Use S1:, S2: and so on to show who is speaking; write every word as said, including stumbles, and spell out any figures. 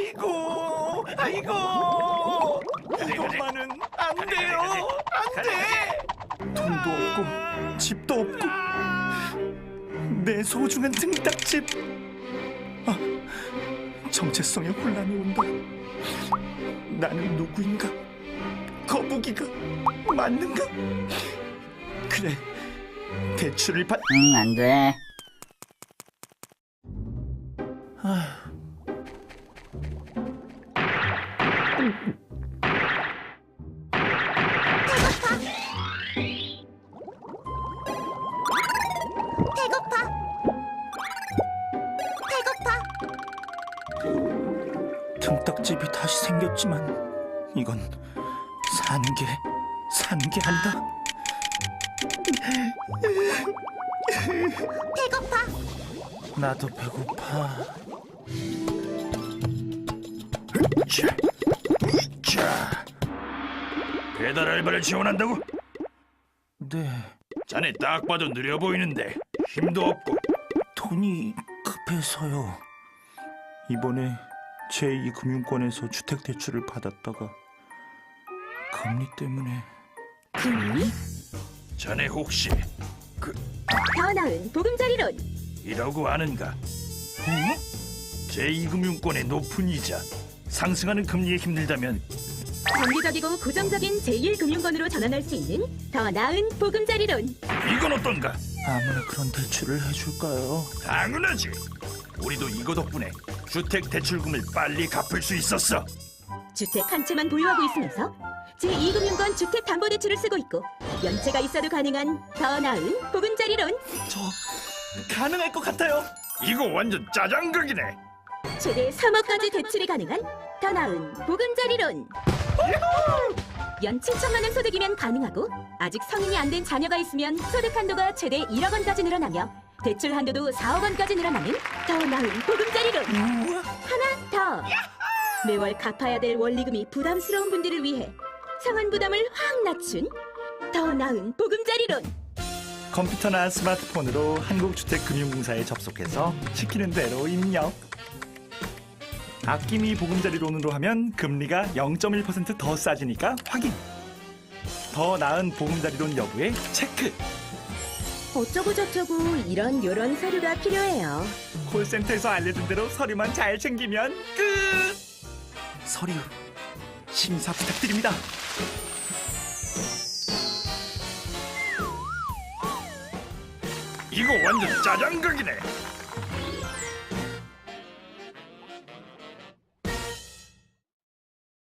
S1: 아이고, 아이고. 이것만은 안 돼요. 안 돼. 돈도 없고 집도 없고 내 소중한 등딱집. 아, 정체성의 혼란이 온다. 나는 누구인가? 거북이가 맞는가? 그래, 대출을 받...
S2: 응, 안 돼.
S1: 아휴.
S3: 배고파. 배고파.
S1: 등딱집이 다시 생겼지만 이건 사는 게 사는 게 아니다.
S3: 배고파.
S1: 나도 배고파. 자, 자. 배달 알바를 지원한다고? 네.
S4: 자네 딱 봐도 느려 보이는데 힘도 없고.
S1: 돈이 급해서요. 이번에 제이 금융권에서 주택대출을 받았다가 금리 때문에.
S3: 금리?
S4: 자네 혹시 그
S3: 더 나은 보금자리론.
S4: 이라고 아는가?
S1: 어?
S4: 제이 금융권의 높은 이자, 상승하는 금리에 힘들다면
S3: 정기적이고 고정적인 제일 금융권으로 전환할 수 있는 더 나은 보금자리론.
S4: 이건 어떤가?
S1: 아무나 그런 대출을 해줄까요?
S4: 당연하지. 우리도 이거 덕분에 주택 대출금을 빨리 갚을 수 있었어.
S3: 주택 한 채만 보유하고 있으면서 제이 금융권 주택담보대출을 쓰고 있고 연체가 있어도 가능한 더 나은 보금자리론.
S1: 저 가능할 것 같아요.
S4: 이거 완전 짜장극이네.
S3: 최대 삼억까지 대출이 가능한 더 나은 보금자리론. 연 칠천만 원 소득이면 가능하고 아직 성인이 안 된 자녀가 있으면 소득 한도가 최대 일억 원까지 늘어나며 대출 한도도 사억 원까지 늘어나는 더 나은 보금자리론.
S1: 우와.
S3: 하나 더. 매월 갚아야 될 원리금이 부담스러운 분들을 위해 상환 부담을 확 낮춘 더 나은 보금자리론.
S1: 컴퓨터나 스마트폰으로 한국주택금융공사에 접속해서 시키는 대로 입력. 아낌이 보금자리론으로 하면 금리가 영 점 일 퍼센트 더 싸지니까 확인. 더 나은 보금자리론 여부에 체크.
S3: 어쩌고 저쩌고 이런 요런 서류가 필요해요.
S1: 콜센터에서 알려준 대로 서류만 잘 챙기면 끝. 서류 심사 부탁드립니다.
S4: 이거 완전 짜장극이네.